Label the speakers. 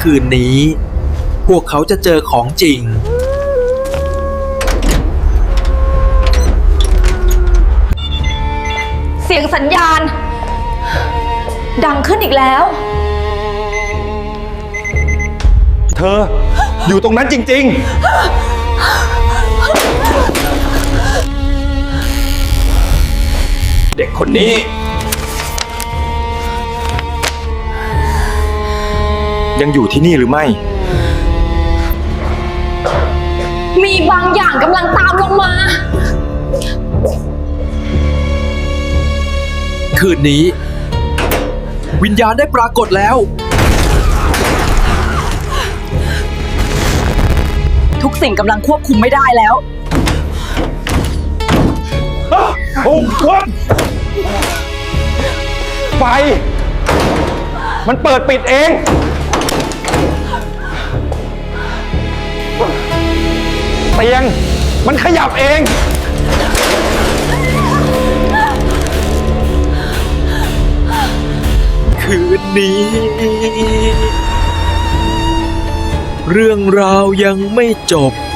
Speaker 1: คืนนี้พวกเขาจะเจอของจริง
Speaker 2: เสียงสัญญาณ ดังขึ้นอีกแล้ว
Speaker 3: เธออยู่ตรงนั้นจริงๆ เด็กคนนี้ ยังอยู่ที่นี่หรือไม่
Speaker 2: มีบางอย่างกำลังตามลงมา
Speaker 1: คืนนี้วิญญาณได้ปรากฏแล้ว
Speaker 2: ทุกสิ่งกำลังควบคุมไม่ได้แล้ว
Speaker 3: โอ้วันไฟ มันเปิดปิดเอง เตียง มันขยับเอง
Speaker 1: คืนนี้ เรื่องราวยังไม่จบ